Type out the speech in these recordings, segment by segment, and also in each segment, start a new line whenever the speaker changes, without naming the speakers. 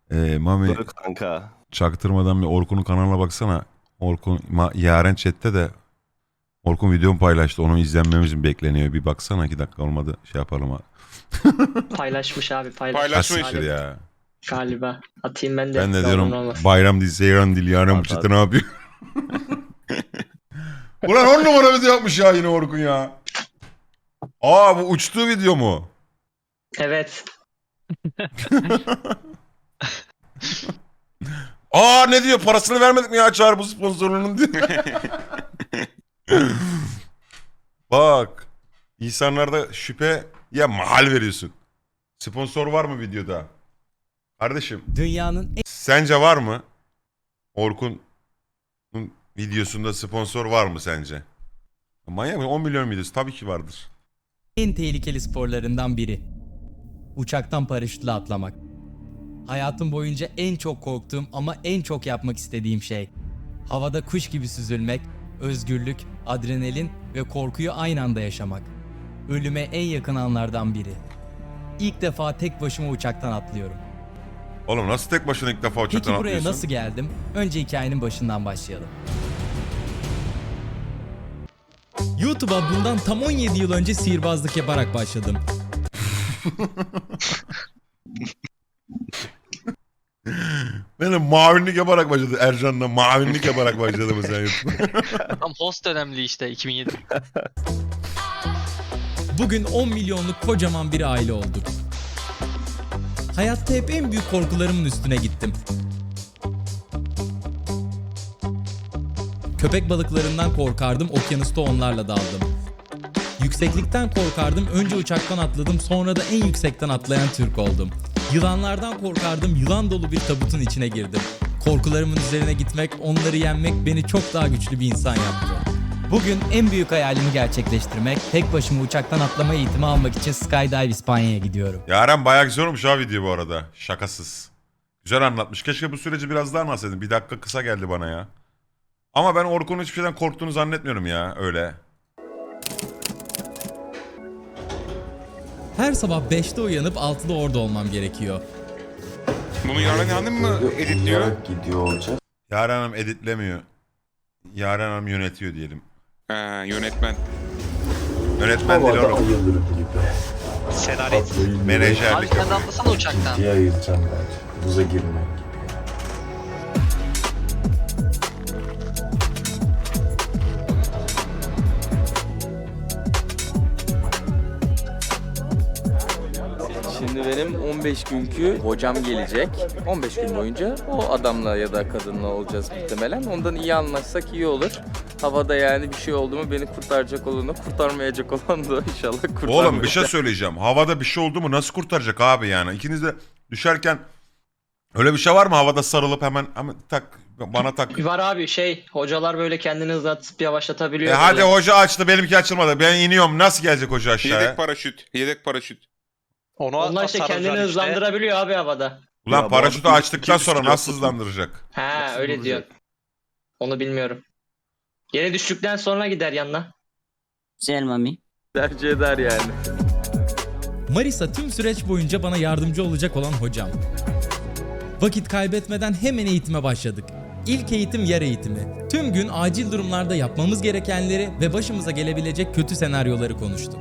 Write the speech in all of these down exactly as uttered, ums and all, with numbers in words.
Ee, Mami
Dur kanka.
çaktırmadan bir Orkun'un kanalına baksana. Orkun ma- Yaren chatte de Orkun videomu paylaştı. Onu izlenmemiz mi bekleniyor? Bir baksana, iki dakika olmadı. Şey yapalım abi.
Paylaşmış abi paylaşmış.
Paylaşmış.
Asiktir ya.
Galiba. Atayım ben de.
Ben de
Ne
diyorum
olur ne olmaz.
bayram değil, seyran değil. Yaren bu
At,
chatte
at.
ne yapıyor? Ulan on numara video yapmış ya yine Orkun ya. Aa, bu uçtuğu video mu?
Evet.
Aa, ne diyor? Parasını vermedik mi ya Çağrı bu sponsorluğunun diyor. Bak. İnsanlarda şüphe ya mahal veriyorsun. Sponsor var mı videoda? Kardeşim
Dünyanın
sence var mı? Orkun'un videosunda sponsor var mı sence? Manyak mı? on milyon videosu tabii ki vardır.
en tehlikeli sporlarından biri. Uçaktan paraşütle atlamak. Hayatım boyunca en çok korktuğum ama en çok yapmak istediğim şey. Havada kuş gibi süzülmek, özgürlük, adrenalin ve korkuyu aynı anda yaşamak. Ölüme en yakın anlardan biri. İlk defa tek başıma uçaktan atlıyorum.
Oğlum nasıl tek başına ilk defa uçaktan
Peki buraya
atlıyorsun?
nasıl geldim? Önce hikayenin başından başlayalım. YouTube'a bundan tam on yedi yıl önce sihirbazlık yaparak başladım.
Benim mavinlik yaparak başladı. Ercan'la mavinlik yaparak başladı mesela YouTube'a.
Tam host önemli işte iki bin yedi.
Bugün on milyonluk kocaman bir aile olduk. Hayatta hep en büyük korkularımın üstüne gittim. Köpek balıklarından korkardım, okyanusta onlarla daldım. Yükseklikten korkardım, önce uçaktan atladım, sonra da en yüksekten atlayan Türk oldum. Yılanlardan korkardım, yılan dolu bir tabutun içine girdim. Korkularımın üzerine gitmek, onları yenmek beni çok daha güçlü bir insan yaptı. Bugün en büyük hayalimi gerçekleştirmek, tek başıma uçaktan atlama eğitimi almak için Skydive İspanya'ya gidiyorum.
Yaren bayağı güzel olmuş ha video bu arada. Şakasız. Güzel anlatmış. Keşke bu süreci biraz daha anlatsaydın. Bir dakika kısa geldi bana ya. Ama ben Orkun'un hiçbir şeyden korktuğunu zannetmiyorum ya öyle.
Her sabah beşte uyanıp altıda orada olmam gerekiyor.
Bunu Yaren Hanım mı editliyor?
Uyuyarak gidiyor olacak.
Yaren Hanım editlemiyor. Yaren Hanım yönetiyor diyelim.
Ha, yönetmen.
Yönetmen değil
Havada
oğlum.
ayılır gibi.
Senarist.
Atlayı
Abi
Menajerlik
sen de
yapıyor.
atlasana uçaktan.
ciddiye ayıracağım bence. Buza girmek gibi.
Şimdi benim on beş günkü hocam gelecek. on beş gün boyunca o adamla ya da kadınla olacağız muhtemelen. Ondan iyi anlaşsak iyi olur. Havada yani bir şey oldu mu beni kurtaracak olanı, kurtarmayacak olan da inşallah kurtarmayacak.
Oğlum bir şey söyleyeceğim. Havada bir şey oldu mu nasıl kurtaracak abi yani? İkiniz de düşerken öyle bir şey var mı? Havada sarılıp hemen, hemen tak bana tak.
Var abi şey hocalar böyle kendini hızlatıp yavaşlatabiliyor.
E hadi
böyle.
hoca açtı, benimki açılmadı. Ben iniyorum. Nasıl gelecek hoca aşağıya?
Yedek paraşüt. Yedek paraşüt.
Onu
Onlar işte kendini hızlandırabiliyor abi havada.
Ulan
Ya bu
paraşütü
arada
açtıktan
iki-
sonra
iki-
nasıl hızlandıracak?
Ha
Nasıl
öyle
duracak?
diyor. Onu bilmiyorum. Yere düştükten sonra gider yanına.
Güzel mami.
Tercih eder yani.
Marisa tüm süreç boyunca bana yardımcı olacak olan hocam. Vakit kaybetmeden hemen eğitime başladık. İlk eğitim yer eğitimi. Tüm gün acil durumlarda yapmamız gerekenleri ve başımıza gelebilecek kötü senaryoları konuştuk.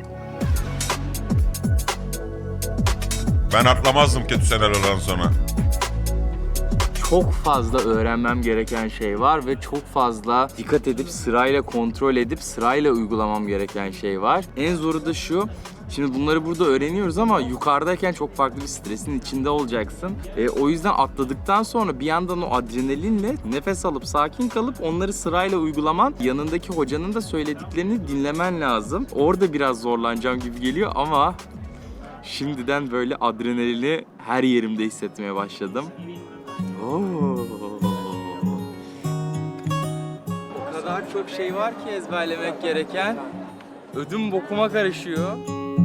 Ben atlamazdım kötü senaryodan sonra.
Çok fazla öğrenmem gereken şey var ve çok fazla dikkat edip sırayla kontrol edip sırayla uygulamam gereken şey var. En zoru da şu. Şimdi bunları burada öğreniyoruz ama yukarıdayken çok farklı bir stresin içinde olacaksın. E, o yüzden atladıktan sonra bir yandan o adrenalinle nefes alıp sakin kalıp onları sırayla uygulaman, yanındaki hocanın da söylediklerini dinlemen lazım. Orada biraz zorlanacağım gibi geliyor ama şimdiden böyle adrenalini her yerimde hissetmeye başladım. Oo. O kadar çok şey var ki ezberlemek gereken. Ödüm bokuma karışıyor.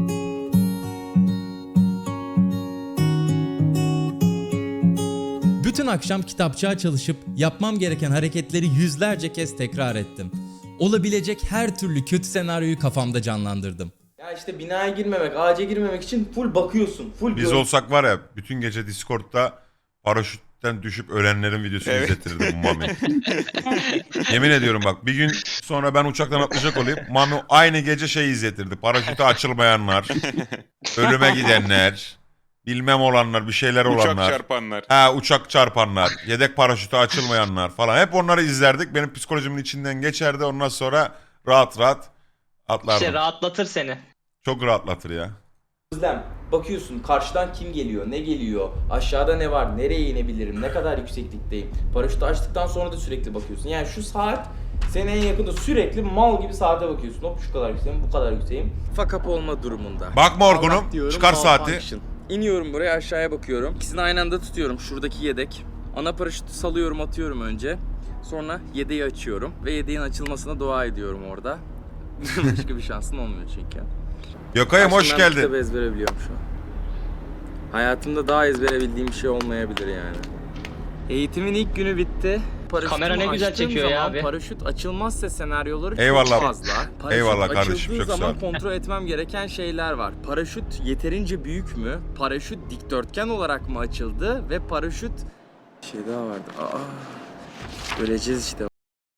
Bütün akşam kitapçığa çalışıp yapmam gereken hareketleri yüzlerce kez tekrar ettim. Olabilecek her türlü kötü senaryoyu kafamda canlandırdım.
Ya işte binaya girmemek, ağaca girmemek için full bakıyorsun. Full
Biz olsak var ya bütün gece Discord'da paraşütten düşüp ölenlerin videosunu
Evet.
izletirdi bu Mami. Yemin ediyorum bak bir gün sonra ben uçaktan atlayacak olayım. Mami aynı gece şey izletirdi. Paraşütü açılmayanlar, ölüme gidenler, bilmem olanlar, bir şeyler
Uçak
olanlar.
çarpanlar.
Ha uçak çarpanlar, yedek paraşütü açılmayanlar falan. Hep onları izlerdik. Benim psikolojimin içinden geçerdi. Ondan sonra rahat rahat atlardım.
İşte rahatlatır seni.
Çok rahatlatır ya.
Özlem, bakıyorsun karşıdan kim geliyor, ne geliyor, aşağıda ne var, nereye inebilirim, ne kadar yükseklikteyim. Paraşütü açtıktan sonra da sürekli bakıyorsun. Yani şu saat senin en yakında sürekli mal gibi saate bakıyorsun. Hop şu kadar yükseğim, bu kadar yükseğim. Fuck up olma durumunda.
Bakma Orkun'um,
Allah diyorum,
çıkar saati.
malfunction. İniyorum buraya, aşağıya bakıyorum. İkisini aynı anda tutuyorum. Şuradaki yedek. Ana paraşütü salıyorum, atıyorum önce. Sonra yedeği açıyorum ve yedeğin açılmasına dua ediyorum orada. Başka bir şansın olmuyor çünkü.
Gökay'ım hoş
Aslında ben
geldin.
kitabı ezbere biliyorum şu an. Hayatımda daha ezbere bildiğim bir şey olmayabilir yani. Eğitimin ilk günü bitti. Paraşütümü
Kamera ne güzel
açtığım
çekiyor ya
zaman
abi.
Paraşüt açılmazsa senaryoları
Eyvallah.
çok fazla. Paraşüt
Eyvallah kardeşim,
açıldığı
çok sağ
zaman
ol.
kontrol etmem gereken şeyler var. Paraşüt yeterince büyük mü? Paraşüt dikdörtgen olarak mı açıldı? Ve paraşüt... Bir şey daha vardı. Aa, öleceğiz işte.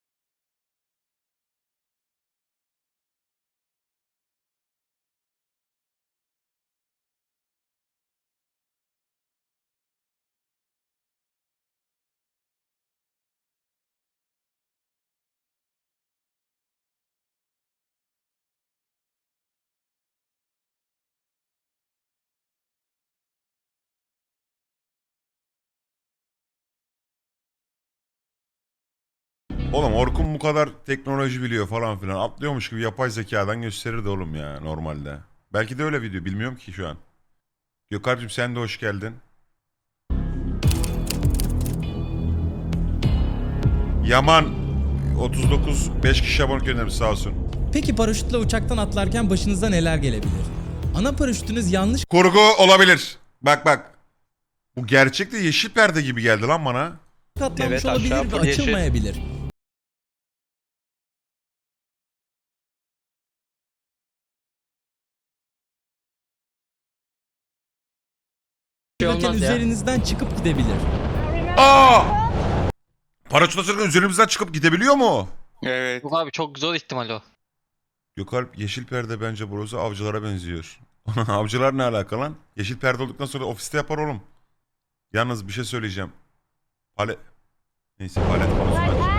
Oğlum Orkun bu kadar teknoloji biliyor falan filan. Atlıyormuş gibi yapay zekadan gösterirdi oğlum ya normalde. Belki de öyle video bilmiyorum ki şu an. Gökhan'cığım sen de hoş geldin. Yaman otuz dokuz beş kişi abone göndermiş sağ olsun.
Peki paraşütle uçaktan atlarken başınıza neler gelebilir? Ana paraşütünüz yanlış
Kurgu olabilir. Bak bak. Bu gerçekte yeşil perde gibi geldi lan bana.
katlanmış
Evet, aşağı
olabilir ve
full yeşil.
açılmayabilir.
Şey
Bakın
olmaz ya.
üzerinizden çıkıp gidebilir.
Aa! Paraşüt açarken üzerimizden çıkıp gidebiliyor mu?
Evet.
Yok abi çok zor ihtimal o.
Gökalp yeşil perde bence burası avcılara benziyor. Avcılar ne alaka lan? Yeşil perde olduktan sonra ofiste yapar oğlum. Yalnız bir şey söyleyeceğim. Palet... Neyse palet konusunda.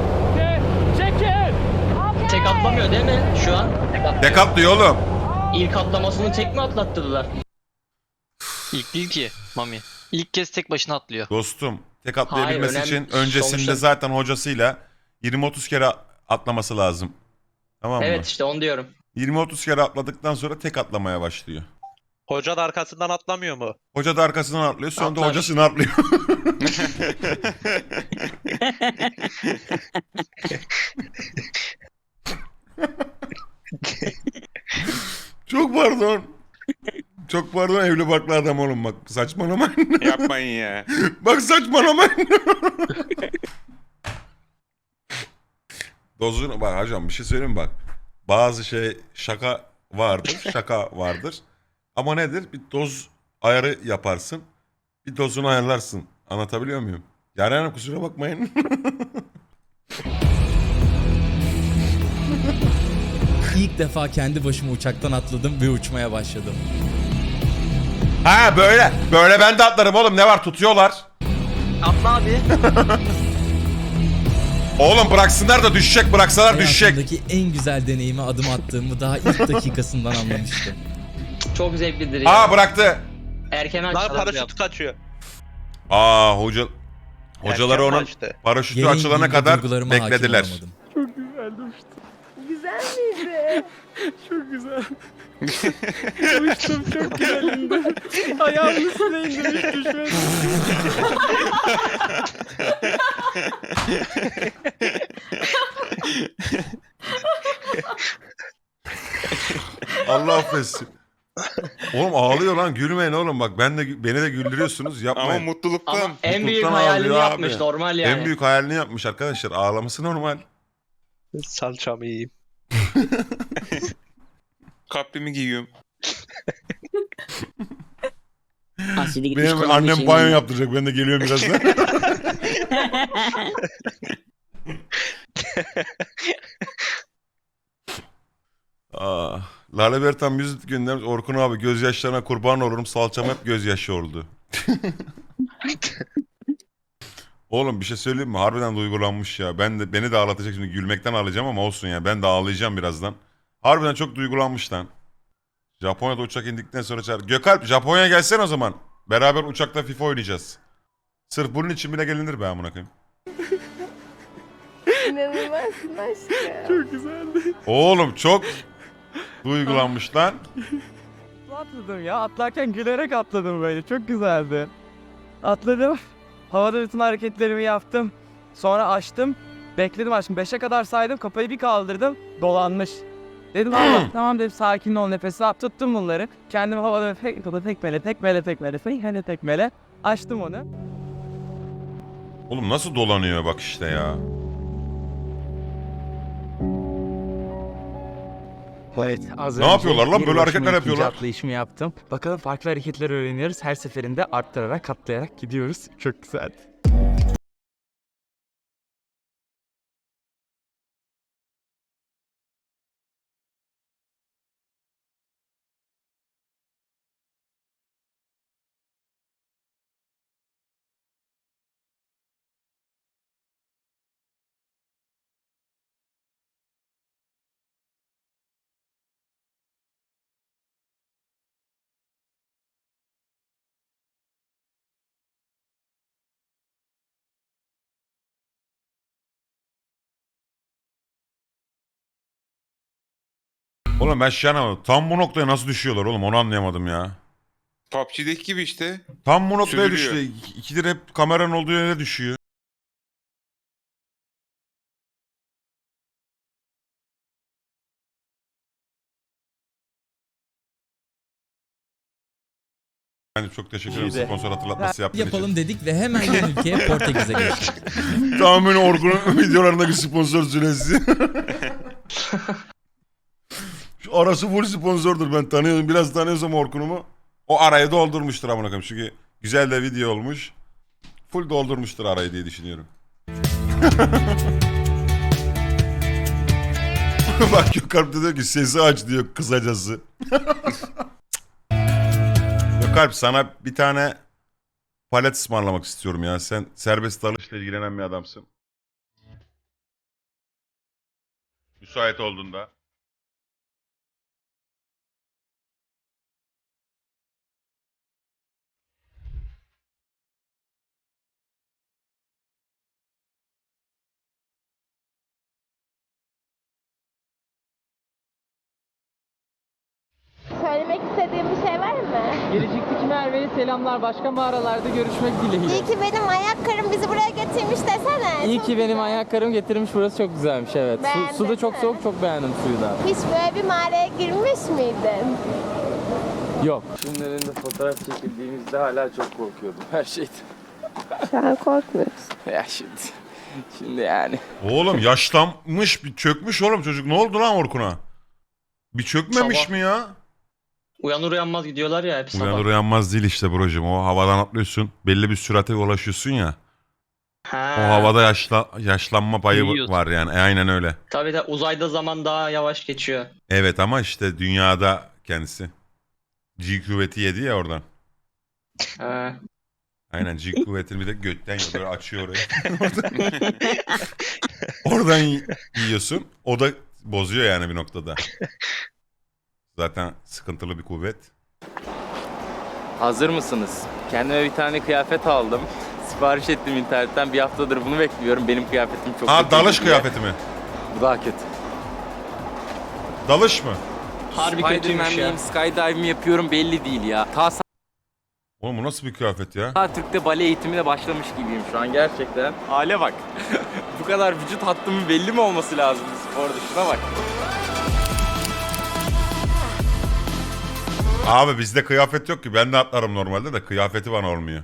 Tek atlamıyor değil mi şu an? Tek atlıyor.
Tek atlıyor oğlum.
İlk atlamasını tek mi atlattırdılar?
İlk değil ki Mami. İlk kez tek başına atlıyor.
Dostum tek atlayabilmesi
Hayır, önemli-
için öncesinde
sonuçta-
zaten hocasıyla yirmi otuz kere atlaması lazım. Tamam mı?
Evet işte onu diyorum.
yirmi otuz kere atladıktan sonra tek atlamaya başlıyor.
Hoca da arkasından atlamıyor mu?
Hoca da arkasından atlıyor, sonra da
Atlar.
hocasını atlıyor. Çok pardon. Çok pardon evli barklı adam oğlum bak saçmalamayın.
Yapmayın ya.
Bak saçmalamayın. Dozunu bak hocam bir şey söyleyeyim mi bak. Bazı şey şaka vardır, şaka vardır. Ama nedir? Bir doz ayarı yaparsın. Bir dozunu ayarlarsın. Anlatabiliyor muyum? Yaren Hanım kusura bakmayın.
İlk defa kendi başıma uçaktan atladım ve uçmaya başladım.
Ha böyle. Böyle ben de atlarım oğlum. Ne var tutuyorlar.
Atla abi.
Oğlum bıraksınlar da düşecek. Bıraksalar düşecek.
Hayatımdaki en güzel deneyime adım attığımı daha ilk dakikasından anlamıştım.
Çok zevklidir ya.
Aa bıraktı.
Erken
Lan
açtılar.
paraşüt kaçıyor.
Aa hoca hocaları
Erken
onun
kaçtı.
paraşütü
Gereği
açılana
gibi
kadar
duygularıma hakim
beklediler.
olamadım.
Güzel miydi? Çok güzel. Uçtum çok güzelindi. Ayağımın üstüne indim hiç düşmedim.
Allah affetsin. Oğlum ağlıyor lan gülmeyin oğlum bak ben de beni de güldürüyorsunuz
Ama
yapmayın.
mutluluktan.
Ama en büyük
Mutluluktan
hayalini
ağlıyor
yapmış
abi.
normal yani.
En büyük hayalini yapmış arkadaşlar ağlaması normal.
Salçamı yiyeyim.
Kaprimi giyiyorum.
Asidi gitmiş
Benim
kullanmış
annem
şeyini.
banyo yaptıracak. Ben de geliyorum birazdan. Aa, Lale Bertan müzik göndermiş. Orkun abi gözyaşlarına kurban olurum. Salçam hep gözyaşı oldu. Oğlum bir şey söyleyeyim mi? Harbiden duygulanmış ya. Ben de beni de ağlatacak şimdi. Gülmekten ağlayacağım ama olsun ya. Ben de ağlayacağım birazdan. Harbiden çok duygulanmış lan. Japonya'da uçak indikten sonra çağır. Gökalp Japonya'ya gelsen o zaman. Beraber uçakta FIFA oynayacağız. Sırf bunun için bile gelinir be amına koyayım.
İnanılmazsın aşkım. Çok güzeldi.
Oğlum çok duygulanmış lan.
Atladım ya. Atlarken gülerek atladım böyle. Çok güzeldi. Atladım. Havada bütün hareketlerimi yaptım. Sonra açtım. Bekledim aşkım. Beşe kadar saydım. Kafayı bir kaldırdım. Dolanmış. Dedim Allah tamam dedim sakin ol nefes al. Tuttum bunları. Kendimi havada tek, tekmele tekmele tekmele tekmele tekmele. Açtım onu.
Oğlum nasıl dolanıyor bak işte ya.
Evet, az
Ne
önce
yapıyorlar lan?
bir
Böyle
başıma
hareketler
ikinci
yapıyorlar.
atlayışımı yaptım. Bakalım farklı hareketler öğreniyoruz. Her seferinde arttırarak, katlayarak gidiyoruz. Çok güzel.
Oğlum ben şey anlamadım. Tam bu noktaya nasıl düşüyorlar oğlum onu anlayamadım ya.
P U B G'deki gibi işte.
Tam bu noktaya
Süzülüyor.
düştü. İk- İkidir hep kameranın olduğu yere düşüyor. Yani çok teşekkür ederim
İyi de.
sponsor hatırlatması yaptığın için.
Yapalım dedik ve hemen yan ülkeye Portekiz'e geçtik.
Tamamen Orkun'un videolarındaki sponsor süresi. Şu arası full sponsordur ben tanıyorum. Biraz tanıyorsam Orkun'umu. O arayı doldurmuştur amına koyayım. Çünkü güzel de video olmuş. Full doldurmuştur arayı diye düşünüyorum. Bak Gökalp de diyor ki sesi aç diyor kısacası. Gökalp sana bir tane palet ısmarlamak istiyorum ya. Sen serbest dalışla ilgilenen bir adamsın. Müsait olduğunda.
Söylemek istediğim bir şey var mı?
Gelecekteki Merve'ye selamlar. Başka mağaralarda görüşmek dileğiyle.
İyi ki benim ayak karım bizi buraya getirmiş desene.
İyi
Çok
ki benim
güzel.
ayaklarım getirmiş. Burası çok güzelmiş evet.
Beğendin
Su, su da çok
mi?
soğuk, çok beğendim suyu da.
Hiç böyle bir mağaraya girmiş miydin?
Yok.
Filmlerinde fotoğraf çekildiğimizde hala çok korkuyordum her şeyden.
Şu an korkmuyorsun.
Ya şimdi, şimdi yani.
Oğlum yaşlanmış bir çökmüş oğlum çocuk. Ne oldu lan Orkun'a? Bir çökmemiş
Sabah.
mi ya?
Uyanır uyanmaz gidiyorlar ya hep sabah.
Uyanır uyanmaz değil işte brocum. O havadan atlıyorsun. Belli bir sürate ulaşıyorsun ya.
Ha.
O havada yaşla, yaşlanma payı
Büyüyorsun.
var yani. E, aynen öyle.
Tabii de uzayda zaman daha yavaş geçiyor.
Evet ama işte dünyada kendisi. G kuvveti yedi ya oradan.
Ha.
Aynen G kuvvetini bir de götten yiyor. Böyle açıyor orayı. oradan, oradan y- yiyorsun. O da bozuyor yani bir noktada. Zaten sıkıntılı bir kuvvet.
Hazır mısınız? Kendime bir tane kıyafet aldım. Sipariş ettim internetten. Bir haftadır bunu bekliyorum. Benim kıyafetim çok
Ha
kötü
dalış
diye.
kıyafeti mi?
Bu daha kötü.
Dalış mı?
Harbi kötüymüş ya.
Spiderman'liyim, skydive mi yapıyorum belli değil ya. Ta
Oğlum bu nasıl bir kıyafet ya?
sağ Türk'te bale eğitimine başlamış gibiyim şu an gerçekten. Hale bak. Bu kadar vücut hattımın belli mi olması lazım bu sporda? Şuna bak.
Abi bizde kıyafet yok ki. Ben de atlarım normalde de kıyafeti bana olmuyor.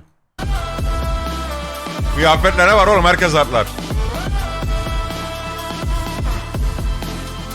Kıyafetle ne var oğlum? Herkes atlar.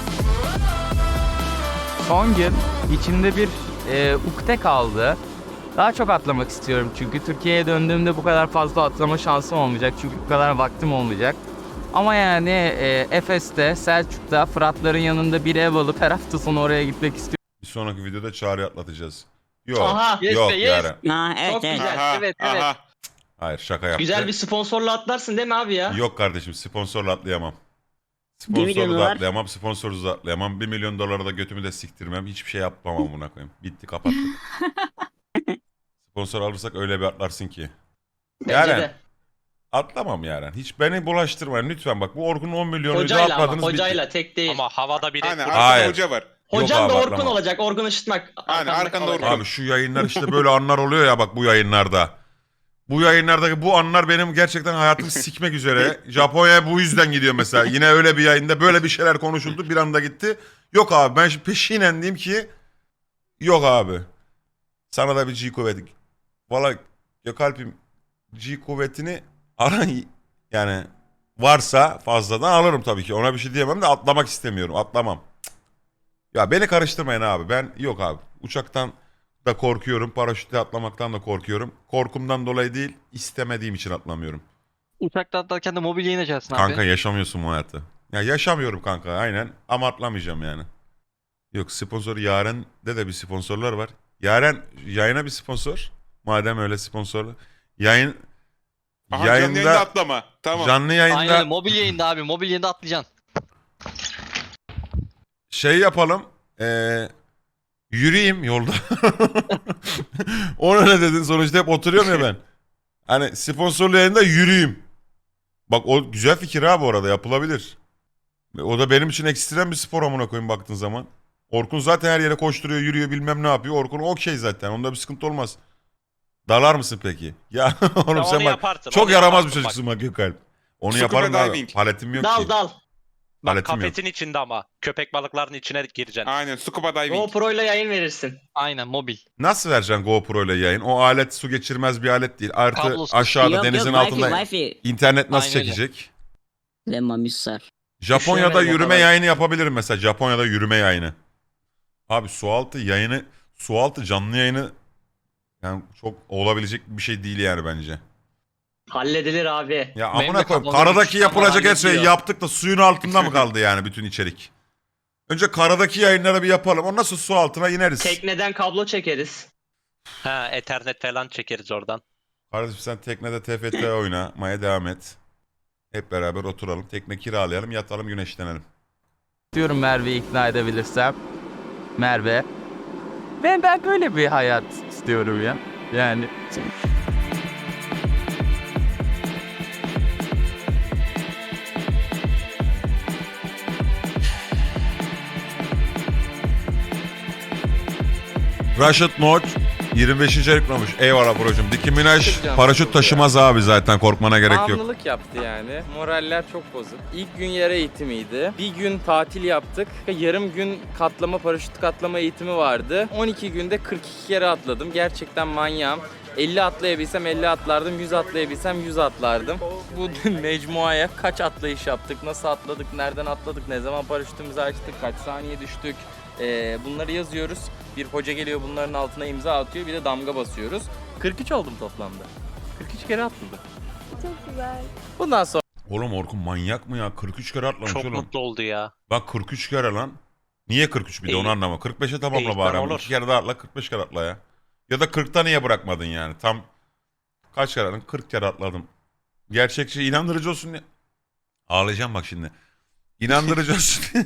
Son gün içimde bir e, ukde kaldı. Daha çok atlamak istiyorum çünkü Türkiye'ye döndüğümde bu kadar fazla atlama şansım olmayacak çünkü bu kadar vaktim olmayacak. Ama yani e, Efes'te, Selçuk'ta, Fıratların yanında bir ev alıp her hafta sonu oraya gitmek istiyorum.
Bir sonraki videoda Çağrı'yı atlatacağız. Yok.
Aha.
Yes
yok
be, yes.
Yaren.
Ha, evet
Çok
evet.
güzel.
Aha,
evet, evet.
aha.
Hayır şaka yaptı.
Güzel bir sponsorla atlarsın değil mi abi ya?
Yok kardeşim sponsorla atlayamam.
Bir milyon
Sponsorlu da
dolar.
atlayamam, sponsorsuz da atlayamam. Bir milyon dolara da götümü de siktirmem. Hiçbir şey yapmam buna koyayım. Bitti kapattık. Sponsor alırsak öyle bir atlarsın ki.
Bence
Yaren.
de.
Atlamam Yaren. Hiç beni bulaştırmayın lütfen bak. Bu Orkun'un on milyonu
Hocayla ama
atladınız
hocayla
bitti.
tek değil.
Ama havada biri
Aynen
Hayır.
arkada hoca var.
Hocan
Yok
da
abi,
Orkun
atlamam.
olacak. Orkun ışıtmak.
Aynen, arkanda
olacak.
Orkun.
Abi şu yayınlar işte böyle anlar oluyor ya bak bu yayınlarda. Bu yayınlardaki bu anlar benim gerçekten hayatımı sikmek üzere. Japonya'ya bu yüzden gidiyor mesela. Yine öyle bir yayında böyle bir şeyler konuşuldu bir anda gitti. Yok abi ben şimdi peşinen diyeyim ki yok abi. Sana da bir G kuvveti. Valla Gökalp'im G kuvvetini aran yani varsa fazladan alırım tabii ki. Ona bir şey diyemem de atlamak istemiyorum. Atlamam. Cık. Ya beni karıştırmayın abi. Ben yok abi. Uçaktan da korkuyorum. Paraşütle atlamaktan da korkuyorum. Korkumdan dolayı değil, istemediğim için atlamıyorum.
Uçakta atlarken de mobilya ineceksin abi.
Kanka yaşamıyorsun bu hayatı. Ya yaşamıyorum kanka aynen ama atlamayacağım yani. Yok sponsor Yaren'de de bir sponsorlar var. Yaren yayına bir sponsor. Madem öyle sponsorlu. Yayın
Aha, canlı
yayında
yayında atlama. Tamam.
canlı yayında
Aynen mobil yayında abi. Mobil yayında atlayacaksın.
şey yapalım. Eee yürüyeyim yolda. Ona ne dedin sonuçta hep oturuyorum ya ben. Hani sponsorlu yayında yürüyeyim. Bak o güzel fikir ha bu arada yapılabilir. O da benim için ekstrem bir spor amına koyayım baktığın zaman. Orkun zaten her yere koşturuyor, yürüyor bilmem ne yapıyor. Orkun okey zaten. Onda bir sıkıntı olmaz. Dalar mısın peki? Ya oğlum
Ya
sen
onu
bak
yaparsın,
çok
onu
yaramaz bir
yaparsın
çocuksun bak Gökalp. Onu
Scuba
yaparım da
diving.
paletim yok
Dal
ki.
dal.
Bak
Paletim yok.
kafesin içinde ama. Köpek balıklarının içine gireceksin.
Aynen scuba diving.
GoPro ile yayın verirsin.
Aynen mobil.
Nasıl vereceksin GoPro ile yayın? O alet su geçirmez bir alet değil. Artı
Kablosuz.
aşağıda
Yok
denizin
yok
altında
Wi-Fi Wi-Fi.
internet nasıl
Aynen öyle.
çekecek?
Ve Mami susar.
Japonya'da
Düşünemedim o
yürüme
kadar.
yayını yapabilirim mesela. Japonya'da yürüme yayını. Abi sualtı yayını, sualtı canlı yayını yani çok olabilecek bir şey değil yani bence.
Halledilir abi.
Ya
Benim
amına
de
koyayım
kafamda
karadaki
bir
yapılacak her
hallediyor.
şeyi yaptık da suyun altında mı kaldı yani bütün içerik? Önce karadaki yayınları bir yapalım. Ondan sonra su altına ineriz.
Tekneden kablo çekeriz.
Ha, Ethernet falan çekeriz oradan.
Kardeşim sen teknede T F T oynamaya devam et. Hep beraber oturalım. Tekne kiralayalım, yatalım, güneşlenelim.
Diyorum Merve'yi ikna edebilirsem. Merve. Ben ben böyle bir hayat istiyorum ya. Yani
Rashid Noç yirmi beşinci ayıklamış. Eyvallah brocum. Diki Minaj paraşüt taşımaz abi zaten korkmana gerek yok.
Bağımlılık yaptı yani. Moraller çok bozuk. İlk gün yere eğitimiydi. Bir gün tatil yaptık. Yarım gün katlama, paraşüt katlama eğitimi vardı. on iki günde kırk iki kere atladım. Gerçekten manyağım. elli atlayabilsem elli atlardım, yüz atlayabilsem yüz atlardım. Bu mecmuaya kaç atlayış yaptık, nasıl atladık, nereden atladık, ne zaman paraşütümüzü açtık, kaç saniye düştük. Ee, bunları yazıyoruz. Bir hoca geliyor bunların altına imza atıyor, bir de damga basıyoruz. kırk üç oldum toplamda. kırk üç kere atladım.
Çok güzel.
Bundan sonra
Oğlum Orkun manyak mı ya? kırk üç kere atlamış
Çok
oğlum.
mutlu oldu ya.
Bak kırk üç kere lan. Niye kırk üç bir de onu
İyi.
anlama. kırk beşe tamamla
İyi,
bari.
tamam,
ama.
olur.
İki kere daha atla kırk beş kere atla ya. Ya da kırkta niye bırakmadın yani? Tam kaç kere atladın? kırk kere atladım. Gerçekçi inandırıcı olsun diye. Ağlayacağım bak şimdi. İnandırıcı olsun diye.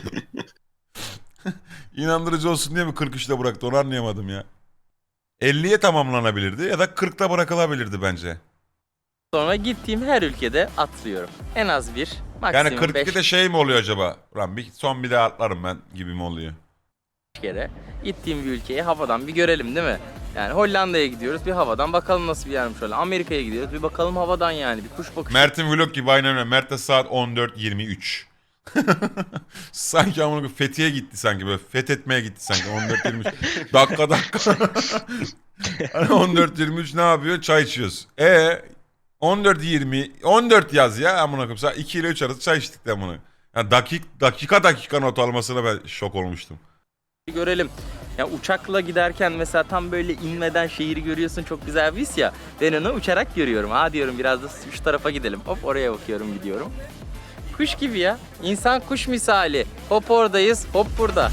İnandırıcı olsun diye mi kırk üçte bıraktı onu anlayamadım ya. elliye tamamlanabilirdi ya da kırkta bırakılabilirdi bence.
sonra gittiğim her ülkede atlıyorum. En az bir, maksimum
Yani kırk ikide
beş
şey mi oluyor acaba? Ulan bir, son bir daha atlarım ben gibi mi oluyor?
kere. Gittiğim bir ülkeyi havadan bir görelim değil mi? Yani Hollanda'ya gidiyoruz, bir havadan bakalım nasıl bir yermiş öyle. Amerika'ya gidiyoruz, bir bakalım havadan yani, bir kuş bakışı.
Mert'in vlog gibi aynen öyle. Mert de saat on dört yirmi üç. Sanki ama Fethiye gitti sanki böyle fethetmeye gitti sanki on dört yirmi üç. dakika dakika. Hani on dört yirmi üç ne yapıyor? Çay içiyoruz. E on dört yirmi on dört yaz ya amına koyayım. Saat iki ile üç arası çay içtik de amına. Yani dakik dakika dakika not almasına ben şok olmuştum.
görelim. Ya uçakla giderken mesela tam böyle inmeden şehri görüyorsun, çok güzel bir his ya. Ben onu uçarak görüyorum. Ha diyorum biraz da şu tarafa gidelim. Hop oraya bakıyorum, gidiyorum. Kuş gibi ya. İnsan kuş misali. Hop oradayız, hop burada.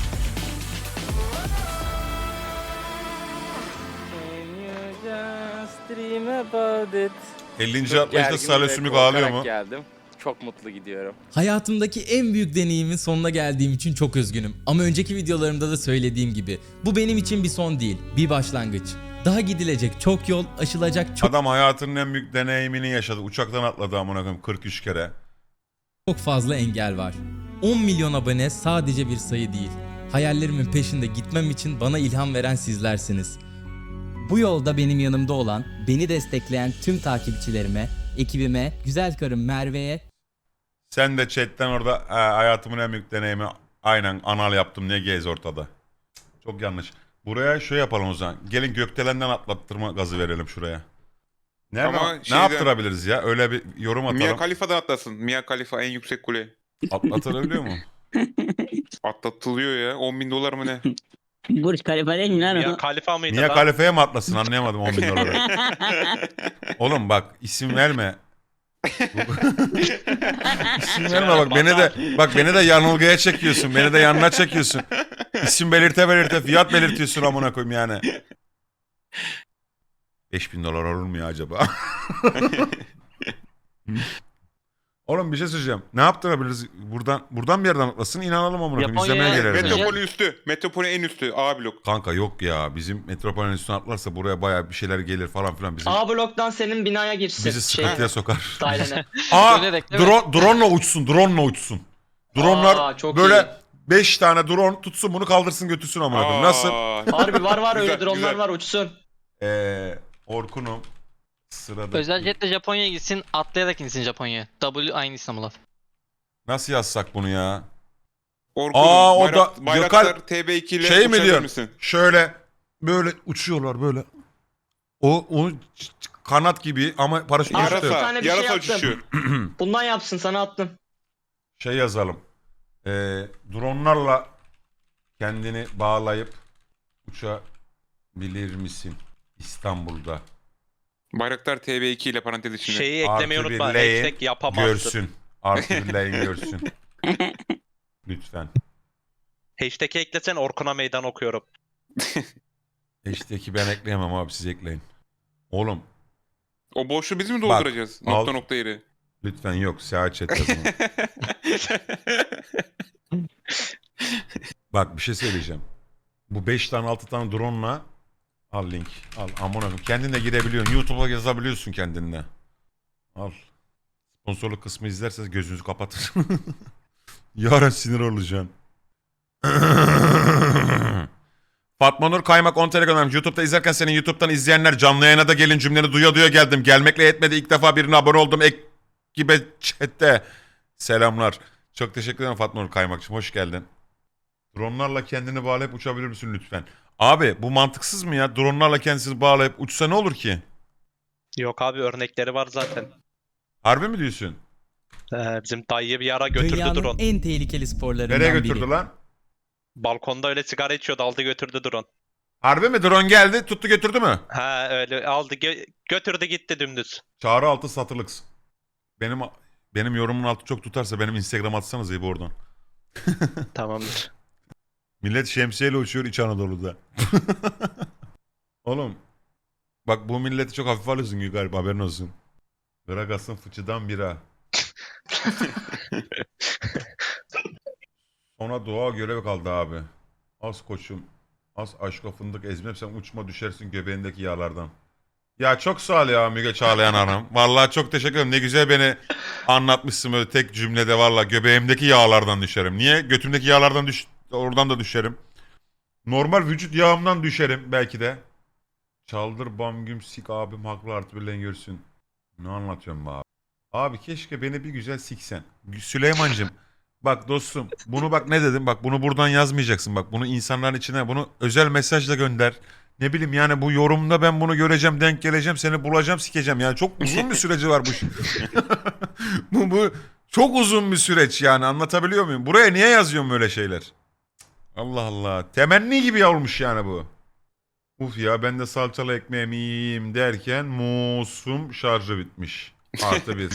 ellinci atlayışta Salih Sümük ağlıyor mu?
Geldim. Çok mutlu gidiyorum.
Hayatımdaki en büyük deneyimin sonuna geldiğim için çok üzgünüm. Ama önceki videolarımda da söylediğim gibi bu benim için bir son değil, bir başlangıç. Daha gidilecek çok yol, aşılacak çok
Adam hayatının en büyük deneyimini yaşadı. Uçaktan atladı amına koyayım kırk üç kere.
çok fazla engel var. on milyon abone sadece bir sayı değil. Hayallerimin peşinde gitmem için bana ilham veren sizlersiniz. Bu yolda benim yanımda olan, beni destekleyen tüm takipçilerime, ekibime, güzel karım Merve'ye
Sen de chatten orada "Ha, hayatımın en büyük deneyimi aynen anal yaptım ne gez ortada. Çok yanlış. Buraya şey yapalım o zaman. Gelin gökdelenden atlattırma gazı verelim şuraya. Ne,
Ama
ne
şeyden-
yaptırabiliriz ya? Öyle bir yorum atalım.
Mia Khalifa'dan atlasın. Mia Khalifa en yüksek kule.
Atlatılabiliyor mu?
Atlatılıyor ya. on bin dolar mı ne?
Burç Khalifa değil mi lan
Ya
o?
Khalifa mıydı
Mia
lan?
Khalifa'ya mı atlasın anlayamadım on bin doları. Oğlum bak isim verme. İsim verme bak beni de bak beni de yanılgıya çekiyorsun. Beni de yanına çekiyorsun. İsim belirte belirte fiyat belirtiyorsun amına koyayım yani. beş bin dolar olur mu ya acaba? Oğlum bir şey söyleyeceğim. Ne yaptırabiliriz? Buradan buradan bir yerden atlasın inanalım amına koyayım.
Japonya'ya-
İzlemeye geliriz. yani.
Metropoli üstü. Metropoli en üstü. A blok.
Kanka yok ya. Bizim metropolün üstüne atlarsa buraya bayağı bir şeyler gelir falan filan. Bizim,
A bloktan senin binaya girsin.
bizi sıkıntıya sokar.
Dairene.
Aa,
Dönerek, değil mi?
drone, drone'la uçsun, drone'la uçsun. Drone'lar
Aa, çok
böyle
iyi.
beş tane drone tutsun bunu kaldırsın götürsün amına koyayım. Nasıl?
Aa,
Harbi var var öyle
Güzel,
dronlar
güzel.
var uçsun.
Ee, Orkun'um sırada.
Özel jetle Japonya'ya gitsin, atlayarak insin Japonya'ya. W aynı İstanbul'a.
Nasıl yazsak bunu ya?
Orkun'um,
Aa, o
Bayrak-
da-
Bayraktar
Gökhan-
T B iki ile
Şey mi
uçabilir
diyorsun?
misin?
Şöyle böyle uçuyorlar böyle. O, o ç- ç- kanat gibi ama paraşüt
Abi,
yok.
bir
Yarasa.
tane bir şey
yarasa
yaptım.
uçuşu.
Bundan yapsın sana attım.
Şey yazalım. Ee, dronlarla kendini bağlayıp uçabilir misin İstanbul'da?
Bayraktar T B iki ile parantez içinde.
Şeyi eklemeyi
Artı bir
unutma.
L'yi
Hashtag yapamazsın.
Görsün. Artı bir L'yi görsün. Lütfen.
Hashtag'i eklesen Orkun'a meydan okuyorum.
Hashtag'i ben ekleyemem abi siz ekleyin. Oğlum
O boşluğu biz mi
Bak,
dolduracağız?
al.
Nokta nokta yeri.
lütfen yok. Seyahat chat yazın. Bak bir şey söyleyeceğim. Bu beş tane altı tane drone'la al link. Al amına koyayım. Kendin de girebiliyorsun. YouTube'a yazabiliyorsun kendinle. Al. Sponsorluk kısmı izlerseniz gözünüzü kapatın. Yarın sinir olacağım. Fatma Nur Kaymak on T L göndermiş. YouTube'da izlerken senin YouTube'dan izleyenler canlı yayına da gelin cümleni duya duya geldim. Gelmekle yetmedi. İlk defa birine abone oldum. Ekibe chatte. Selamlar. Çok teşekkür ederim Fatma Nur Kaymakçım. Hoş geldin. Dronlarla kendini bağlayıp uçabilir misin lütfen? Abi bu mantıksız mı ya? Dronlarla kendisini bağlayıp uçsa ne olur ki?
Yok abi örnekleri var zaten.
Harbi mi diyorsun?
Ee, bizim dayıyı bir ara götürdü
dünyanın
drone.
en tehlikeli sporlarından
Nereye
biri.
götürdü lan?
Balkonda öyle sigara içiyordu aldı götürdü drone.
Harbi mi? Drone geldi tuttu götürdü mü?
Ha öyle aldı gö- götürdü gitti dümdüz.
Çağrı altı satılık. Benim benim yorumun altı çok tutarsa benim Instagram atsanız iyi bu oradan.
Tamamdır.
Millet şemsiyeyle uçuyor İç Anadolu'da. Oğlum bak bu milleti çok hafif alıyorsun gibi galiba haberin olsun. Gragas'ın fıçıdan bira. Sonra doğa görev kaldı abi. Az koçum. Az aşka fındık ezmem sen uçma düşersin göbeğindeki yağlardan. Ya çok sağ ol ya Müge Çağlayan Hanım. Vallahi çok teşekkür ederim. Ne güzel beni anlatmışsın böyle tek cümlede valla göbeğimdeki yağlardan düşerim. Niye? Götümdeki yağlardan düş oradan da düşerim. Normal vücut yağımdan düşerim belki de. Çaldır bam güm sik abim haklı artı birlen görsün. Ne anlatıyorum be abi? Abi keşke beni bir güzel siksen. Süleyman'cığım bak dostum bunu bak ne dedim bak bunu buradan yazmayacaksın bak bunu insanların içine bunu özel mesajla gönder. Ne bileyim yani bu yorumda ben bunu göreceğim denk geleceğim seni bulacağım sikeceğim yani çok uzun bir süreci var bu. bu bu çok uzun bir süreç yani anlatabiliyor muyum? Buraya niye yazıyorum böyle şeyler? Allah Allah. Temenni gibi olmuş yani bu. Uf ya ben de salçalı ekmeğimi yiyeyim derken musum şarjı bitmiş. Artı bir.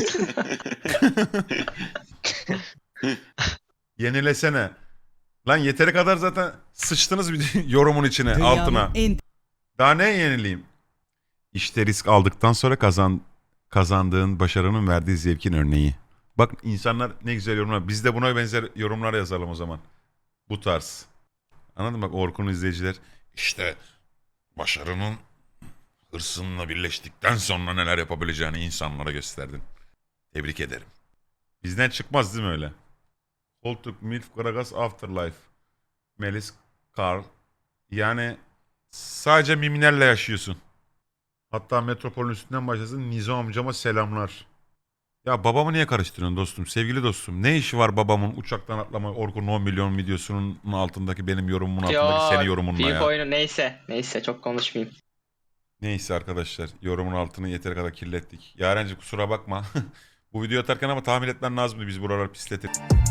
Yenilesene. Lan yeteri kadar zaten sıçtınız bir yorumun içine
Dünyanın
altına.
en
Daha ne yenileyim? İşte risk aldıktan sonra kazan kazandığın başarının verdiği zevkin örneği. Bak insanlar ne güzel yorumlar. Biz de buna benzer yorumlar yazalım o zaman. Bu tarz. Anladın mı? Bak Orkun izleyiciler. İşte başarının hırsınla birleştikten sonra neler yapabileceğini insanlara gösterdin. Tebrik ederim. Bizden çıkmaz değil mi öyle? Koltuk, Milf, Gragas, Afterlife. Melis, Carl. Yani sadece mimilerle yaşıyorsun. Hatta metropolün üstünden başlasın. Nizo amcama selamlar. Ya babamı niye karıştırıyorsun dostum? Sevgili dostum. Ne işi var babamın uçaktan atlama Orkun'un on milyon videosunun altındaki benim yorumumun altındaki senin yorumunla
Büyük
ya.
oyunu neyse. Neyse çok konuşmayayım.
Neyse arkadaşlar. Yorumun altını yeteri kadar kirlettik. Yarenci kusura bakma. Bu videoyu atarken ama tahmin etmen lazımdı biz buraları pisletir.